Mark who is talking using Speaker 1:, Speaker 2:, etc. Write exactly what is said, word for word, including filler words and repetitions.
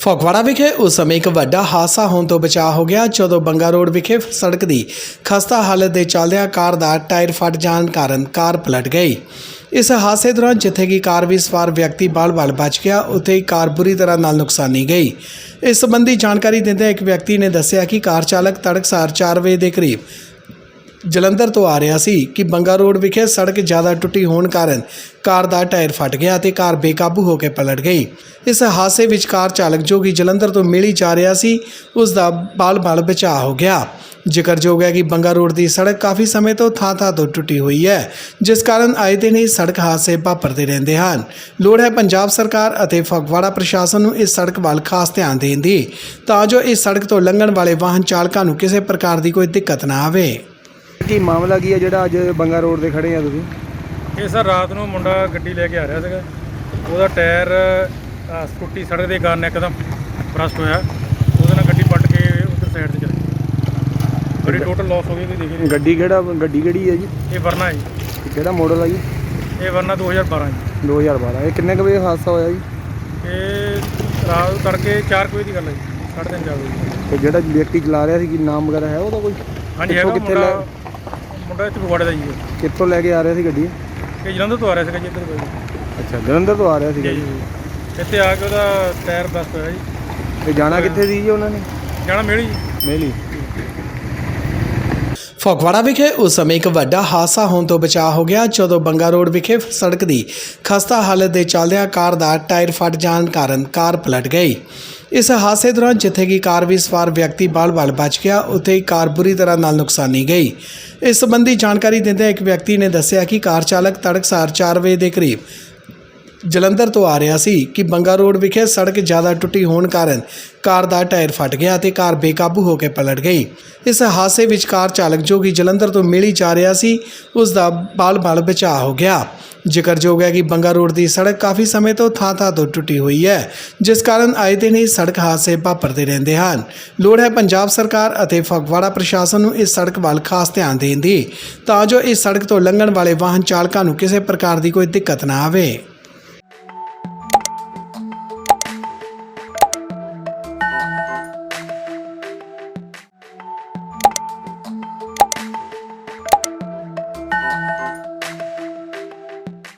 Speaker 1: ਫਗਵਾੜਾ ਵਿਖੇ ਉਸ ਸਮੇਂ ਇੱਕ ਵੱਡਾ ਹਾਦਸਾ ਹੋਣ ਤੋਂ ਬਚਾਅ ਹੋ ਗਿਆ ਜਦੋਂ ਬੰਗਾ ਰੋਡ ਵਿਖੇ ਸੜਕ ਦੀ ਖਸਤਾ ਹਾਲਤ ਦੇ ਚੱਲਦਿਆਂ ਕਾਰ ਦਾ ਟਾਇਰ ਫਟ ਜਾਣ ਕਾਰਨ ਕਾਰ ਪਲਟ ਗਈ। ਇਸ ਹਾਦਸੇ ਦੌਰਾਨ ਜਿੱਥੇ ਕਿ ਕਾਰ ਵਿੱਚ ਸਵਾਰ ਵਿਅਕਤੀ ਬਾਲ-ਬਾਲ ਬਚ ਗਿਆ, ਉੱਥੇ ਹੀ ਕਾਰ ਬੁਰੀ ਤਰ੍ਹਾਂ ਨਾਲ ਨੁਕਸਾਨੀ ਗਈ। ਇਸ ਸੰਬੰਧੀ ਜਾਣਕਾਰੀ ਦਿੰਦਿਆਂ ਇੱਕ ਵਿਅਕਤੀ ਨੇ ਦੱਸਿਆ ਕਿ ਕਾਰ ਚਾਲਕ ਤੜਕਸਾਰ ਚਾਰ ਵਜੇ ਦੇ ਕਰੀਬ ਜਲੰਧਰ ਤੋਂ ਆ ਰਿਹਾ ਸੀ ਕਿ ਬੰਗਾ ਰੋਡ ਵਿਖੇ ਸੜਕ ਜ਼ਿਆਦਾ ਟੁੱਟੀ ਹੋਣ ਕਾਰਨ ਕਾਰ ਦਾ ਟਾਇਰ ਫਟ ਗਿਆ ਤੇ ਕਾਰ ਬੇਕਾਬੂ ਹੋ ਕੇ ਪਲਟ ਗਈ। ਇਸ ਹਾਦਸੇ ਵਿੱਚ ਕਾਰ ਚਾਲਕ ਜੋ ਕਿ ਜਲੰਧਰ ਤੋਂ ਮਿਲੀ ਜਾ ਰਿਹਾ ਸੀ, ਉਸ ਦਾ ਬਾਲ-ਬਾਲ ਬਚਾਅ ਹੋ ਗਿਆ। ਜ਼ਿਕਰਯੋਗ ਹੈ ਕਿ ਬੰਗਾ ਰੋਡ ਦੀ ਸੜਕ ਕਾਫੀ ਸਮੇਂ ਤੋਂ ਥਾਂ-ਥਾਂ ਤੋਂ ਟੁੱਟੀ ਹੋਈ ਹੈ, ਜਿਸ ਕਾਰਨ ਆਏ ਦਿਨ ਹੀ ਸੜਕ ਹਾਦਸੇ ਵਾਪਰਦੇ ਰਹਿੰਦੇ ਹਨ। ਲੋੜ ਹੈ ਪੰਜਾਬ ਸਰਕਾਰ ਅਤੇ ਫਗਵਾੜਾ ਪ੍ਰਸ਼ਾਸਨ ਨੂੰ ਇਸ ਸੜਕ ਵੱਲ ਖਾਸ ਧਿਆਨ ਦੇਣ ਦੀ, ਤਾਂ ਜੋ ਇਸ ਸੜਕ ਤੋਂ ਲੰਘਣ ਵਾਲੇ ਵਾਹਨ ਚਾਲਕਾਂ ਨੂੰ ਕਿਸੇ ਪ੍ਰਕਾਰ ਦੀ ਕੋਈ ਦਿੱਕਤ ਨਾ ਆਵੇ।
Speaker 2: ਕੀ ਮਾਮਲਾ ਕੀ ਹੈ ਜਿਹੜਾ ਅੱਜ ਬੰਗਾ ਰੋਡ ਤੇ ਖੜੇ ਆ ਤੁਸੀਂ?
Speaker 3: ਇਹ ਸਰ ਰਾਤ ਨੂੰ ਮੁੰਡਾ ਗੱਡੀ ਲੈ ਕੇ ਆ ਰਿਹਾ ਸੀਗਾ, ਉਹਦਾ ਟਾਇਰ ਸਕੂਟੀ ਸੜਕ ਦੇ ਕਾਰਨ ਇੱਕਦਮ ਬਰਸਟ ਹੋਇਆ, ਉਹਦੇ ਨਾਲ ਗੱਡੀ ਪਲਟ ਕੇ ਉੱਧਰ ਸਾਈਡ ਤੇ ਚਲੀ ਗਈ। ਗੱਡੀ ਟੋਟਲ ਲਾਸ ਹੋ ਗਈ, ਕੋਈ ਦੇਖੀ ਨਹੀਂ।
Speaker 2: ਗੱਡੀ ਕਿਹੜਾ ਗੱਡੀ ਕਿਹੜੀ ਹੈ ਜੀ?
Speaker 3: ਇਹ ਵਰਨਾ ਹੈ ਜੀ।
Speaker 2: ਕਿਹੜਾ ਮਾਡਲ ਆ ਜੀ?
Speaker 3: ਇਹ ਵਰਨਾ ਦੋ ਹਜ਼ਾਰ ਬਾਰਾਂ ਜੀ।
Speaker 2: ਦੋ ਹਜ਼ਾਰ ਬਾਰਾਂ। ਇਹ ਕਿੰਨੇ ਕੁ ਵਜੇ ਹਾਦਸਾ ਹੋਇਆ ਜੀ?
Speaker 3: ਇਹ ਰਾਤ ਨੂੰ ਤੜਕੇ ਚਾਰ ਕੁ ਵਜੇ ਦੀ ਗੱਲ ਹੈ ਜੀ, ਸਾਢੇ ਤਿੰਨ ਚਾਰ ਵਜੇ।
Speaker 2: ਤੇ ਜਿਹੜਾ ਵਿਅਕਤੀ ਚਲਾ ਰਿਹਾ ਸੀ, ਕੀ ਨਾਮ ਵਗੈਰਾ ਹੈ ਉਹਦਾ ਕੋਈ?
Speaker 3: ਹਾਂਜੀ ਹੈਗਾ ਮੁੰਡਾ, ਮੁੰਡਾ ਇੱਥੇ ਫਗਵਾੜੇ ਦਾ ਜੀ।
Speaker 2: ਕਿੱਥੋਂ ਲੈ ਕੇ ਆ ਰਿਹਾ ਸੀ ਗੱਡੀ?
Speaker 3: ਇਹ ਜਲੰਧਰ ਤੋਂ ਆ ਰਿਹਾ ਸੀਗਾ ਜੀ, ਇੱਧਰ ਕੋਈ।
Speaker 2: ਅੱਛਾ, ਜਲੰਧਰ ਤੋਂ ਆ ਰਿਹਾ ਸੀਗਾ ਜੀ।
Speaker 3: ਇੱਥੇ ਆ ਕੇ ਉਹਦਾ ਟਾਇਰ ਬਸਟ ਹੋਇਆ ਜੀ।
Speaker 2: ਤੇ ਜਾਣਾ ਕਿੱਥੇ ਸੀ ਜੀ ਉਹਨਾਂ ਨੇ?
Speaker 3: ਜਾਣਾ ਮੇਲੀ ਜੀ।
Speaker 2: ਮੇਲੀ।
Speaker 1: ਫਗਵਾੜਾ ਵਿਖੇ ਉਸ ਸਮੇਂ ਇੱਕ ਵੱਡਾ ਹਾਦਸਾ ਹੋਣ ਤੋਂ ਬਚਾਅ ਹੋ ਗਿਆ ਜਦੋਂ ਬੰਗਾ ਰੋਡ ਵਿਖੇ ਸੜਕ ਦੀ ਖਸਤਾ ਹਾਲਤ ਦੇ ਚੱਲਦਿਆਂ ਕਾਰ ਦਾ ਟਾਇਰ ਫਟ ਜਾਣ ਕਾਰਨ ਕਾਰ ਪਲਟ ਗਈ। ਇਸ ਹਾਦਸੇ ਦੌਰਾਨ ਜਿੱਥੇ ਕਿ ਕਾਰ ਵਿੱਚ ਸਵਾਰ ਵਿਅਕਤੀ ਬਾਲ-ਬਾਲ ਬਚ ਗਿਆ, ਉੱਥੇ ਹੀ ਕਾਰ ਬੁਰੀ ਤਰ੍ਹਾਂ ਨਾਲ ਨੁਕਸਾਨੀ ਗਈ। ਇਸ ਸੰਬੰਧੀ ਜਾਣਕਾਰੀ ਦਿੰਦਿਆਂ ਇੱਕ ਵਿਅਕਤੀ ਨੇ ਦੱਸਿਆ ਕਿ ਕਾਰ ਚਾਲਕ ਤੜਕਸਾਰ ਚਾਰ ਵਜੇ ਦੇ ਕਰੀਬ ਜਲੰਧਰ ਤੋਂ ਆ ਰਿਹਾ ਸੀ ਕਿ ਬੰਗਾ ਰੋਡ ਵਿਖੇ ਸੜਕ ਜ਼ਿਆਦਾ ਟੁੱਟੀ ਹੋਣ ਕਾਰਨ ਕਾਰ ਦਾ ਟਾਇਰ ਫਟ ਗਿਆ ਤੇ ਕਾਰ ਬੇਕਾਬੂ ਹੋ ਕੇ ਪਲਟ ਗਈ। ਇਸ ਹਾਦਸੇ ਵਿੱਚ ਕਾਰ ਚਾਲਕ ਜੋ ਕਿ ਜਲੰਧਰ ਤੋਂ ਮਿਲੀ ਜਾ ਰਿਹਾ ਸੀ, ਉਸ ਦਾ ਬਾਲ-ਬਾਲ ਬਚਾਅ ਹੋ ਗਿਆ। ਜ਼ਿਕਰਯੋਗ ਹੈ ਕਿ ਬੰਗਾ ਰੋਡ ਦੀ ਸੜਕ ਕਾਫੀ ਸਮੇਂ ਤੋਂ ਥਾਂ-ਥਾਂ ਤੋਂ ਟੁੱਟੀ ਹੋਈ ਹੈ, ਜਿਸ ਕਾਰਨ ਆਏ ਦਿਨ ਹੀ ਸੜਕ ਹਾਦਸੇ ਵਾਪਰਦੇ ਰਹਿੰਦੇ ਹਨ। ਲੋੜ ਹੈ ਪੰਜਾਬ ਸਰਕਾਰ ਅਤੇ ਫਗਵਾੜਾ ਪ੍ਰਸ਼ਾਸਨ ਨੂੰ ਇਸ ਸੜਕ ਵੱਲ ਖਾਸ ਧਿਆਨ ਦੇਣ ਦੀ, ਤਾਂ ਜੋ ਇਸ ਸੜਕ ਤੋਂ ਲੰਘਣ ਵਾਲੇ ਵਾਹਨ ਚਾਲਕਾਂ ਨੂੰ ਕਿਸੇ ਪ੍ਰਕਾਰ ਦੀ ਕੋਈ ਦਿੱਕਤ ਨਾ ਆਵੇ।